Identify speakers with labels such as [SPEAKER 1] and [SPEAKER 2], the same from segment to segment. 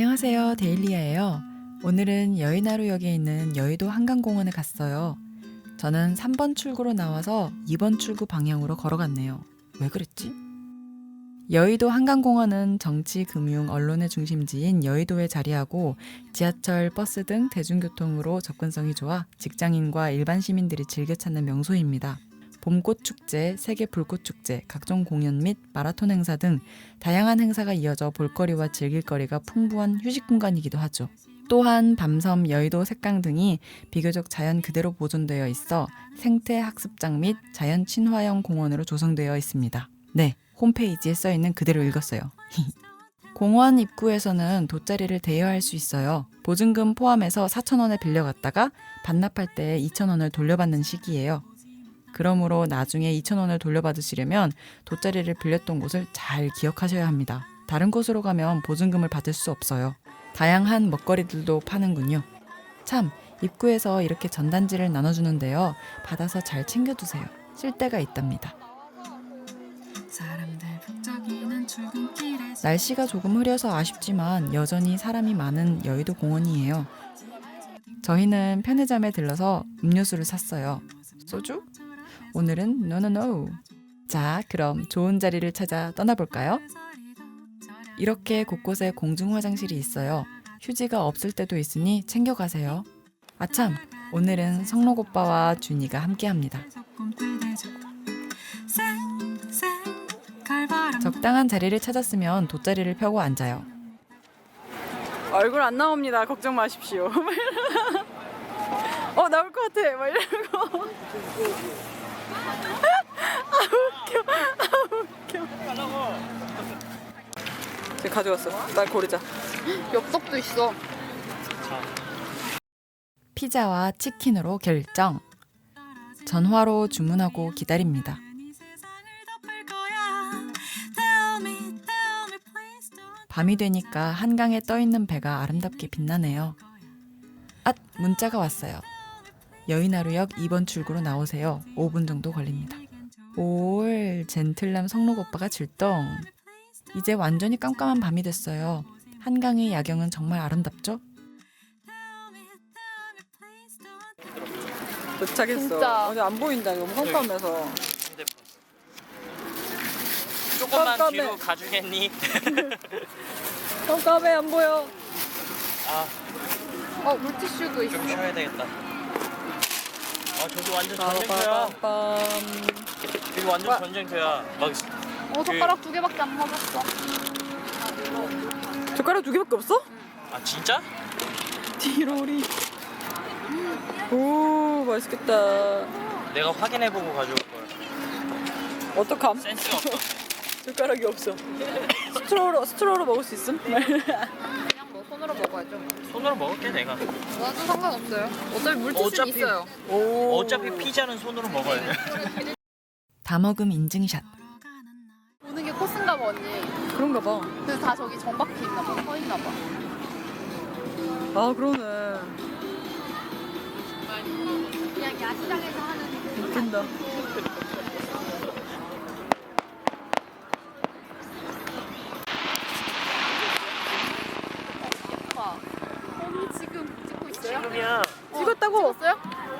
[SPEAKER 1] 안녕하세요. 데일리아예요. 오늘은 여의나루역에 있는 여의도 한강공원에 갔어요. 저는 3번 출구로 나와서 2번 출구 방향으로 걸어갔네요. 왜 그랬지? 여의도 한강공원은 정치, 금융, 언론의 중심지인 여의도에 자리하고 지하철, 버스 등 대중교통으로 접근성이 좋아 직장인과 일반 시민들이 즐겨 찾는 명소입니다. 봄꽃 축제, 세계 불꽃 축제, 각종 공연 및 마라톤 행사 등 다양한 행사가 이어져 볼거리와 즐길거리가 풍부한 휴식 공간이기도 하죠. 또한 밤섬, 여의도 색강 등이 비교적 자연 그대로 보존되어 있어 생태 학습장 및 자연 친화형 공원으로 조성되어 있습니다. 네, 홈페이지에 써있는 그대로 읽었어요. 공원 입구에서는 돗자리를 대여할 수 있어요. 보증금 포함해서 4,000원에 빌려갔다가 반납할 때 2,000원을 돌려받는 시기예요. 그러므로 나중에 2,000원을 돌려받으시려면 돗자리를 빌렸던 곳을 잘 기억하셔야 합니다. 다른 곳으로 가면 보증금을 받을 수 없어요. 다양한 먹거리들도 파는군요. 참, 입구에서 이렇게 전단지를 나눠주는데요. 받아서 잘 챙겨두세요. 쓸 데가 있답니다. 날씨가 조금 흐려서 아쉽지만 여전히 사람이 많은 여의도 공원이에요. 저희는 편의점에 들러서 음료수를 샀어요. 소주? 오늘은 노노노. 자, 그럼 좋은 자리를 찾아 떠나볼까요? 이렇게 곳곳에 공중 화장실이 있어요. 휴지가 없을 때도 있으니 챙겨가세요. 아참, 오늘은 성록 오빠와 준이가 함께합니다. 적당한 자리를 찾았으면 돗자리를 펴고 앉아요.
[SPEAKER 2] 얼굴 안 나옵니다. 걱정 마십시오. 나올 것 같아. 막 이러고. 웃겨. 제가 가져왔어. 날 고르자.
[SPEAKER 3] 엽떡도 있어.
[SPEAKER 1] 피자와 치킨으로 결정. 전화로 주문하고 기다립니다. 밤이 되니까 한강에 떠있는 배가 아름답게 빛나네요. 앗! 문자가 왔어요. 여의나루역 2번 출구로 나오세요. 5분 정도 걸립니다. 올, 젠틀남 성록 오빠가 출동. 이제 완전히 깜깜한 밤이 됐어요. 한강의 야경은 정말 아름답죠?
[SPEAKER 2] 도착했어.
[SPEAKER 3] 진짜.
[SPEAKER 2] 근데 안 보인다. 너무 깜깜해서.
[SPEAKER 4] 조금만
[SPEAKER 2] 깜깜해.
[SPEAKER 4] 뒤로 가주겠니?
[SPEAKER 2] 깜깜해. 안 보여.
[SPEAKER 3] 물티슈도 있어.
[SPEAKER 4] 좀 쉬어야 되겠다. 저기 완전 전쟁터야.
[SPEAKER 2] 빠밤빰.
[SPEAKER 4] 여기 완전 전쟁터야. 막
[SPEAKER 3] 젓가락 2개밖에 안 맞았어.
[SPEAKER 2] 젓가락 2개밖에 없어?
[SPEAKER 4] 진짜?
[SPEAKER 2] 디로리. 오, 맛있겠다.
[SPEAKER 4] 내가 확인해보고 가져올 거야.
[SPEAKER 2] 어떡함?
[SPEAKER 4] 센스가 없어.
[SPEAKER 2] 젓가락이 없어. 스트로로 먹을 수 있음?
[SPEAKER 3] 그냥 뭐 손으로 먹어야죠.
[SPEAKER 4] 손으로 먹을게 내가.
[SPEAKER 3] 나도 상관없어요. 어차피 물티슈는 있어요.
[SPEAKER 2] 오.
[SPEAKER 4] 어차피 피자는 손으로 먹어야 돼.
[SPEAKER 1] 다먹음 인증샷.
[SPEAKER 3] 보는 게 코스인가 봐, 언니.
[SPEAKER 2] 그런가 봐.
[SPEAKER 3] 그래서 다 저기 정박해 있나 봐. 서 있나 봐.
[SPEAKER 2] 그러네.
[SPEAKER 3] 그냥 야시장에서 하는.
[SPEAKER 2] 웃긴다.
[SPEAKER 3] 오빠. 언니 지금 찍고 있어요?
[SPEAKER 4] 지금이야.
[SPEAKER 2] 찍었다고?
[SPEAKER 3] 찍었어요?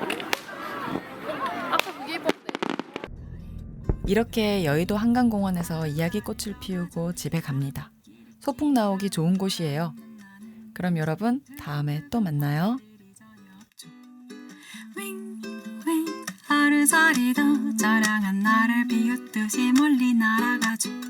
[SPEAKER 3] 아까 그게 예뻤대.
[SPEAKER 1] 이렇게 여의도 한강공원에서 이야기꽃을 피우고 집에 갑니다. 소풍 나오기 좋은 곳이에요. 그럼 여러분, 다음에 또 만나요.
[SPEAKER 5] 하루살이도 저랑한 나를 비웃듯이 멀리 날아가죠.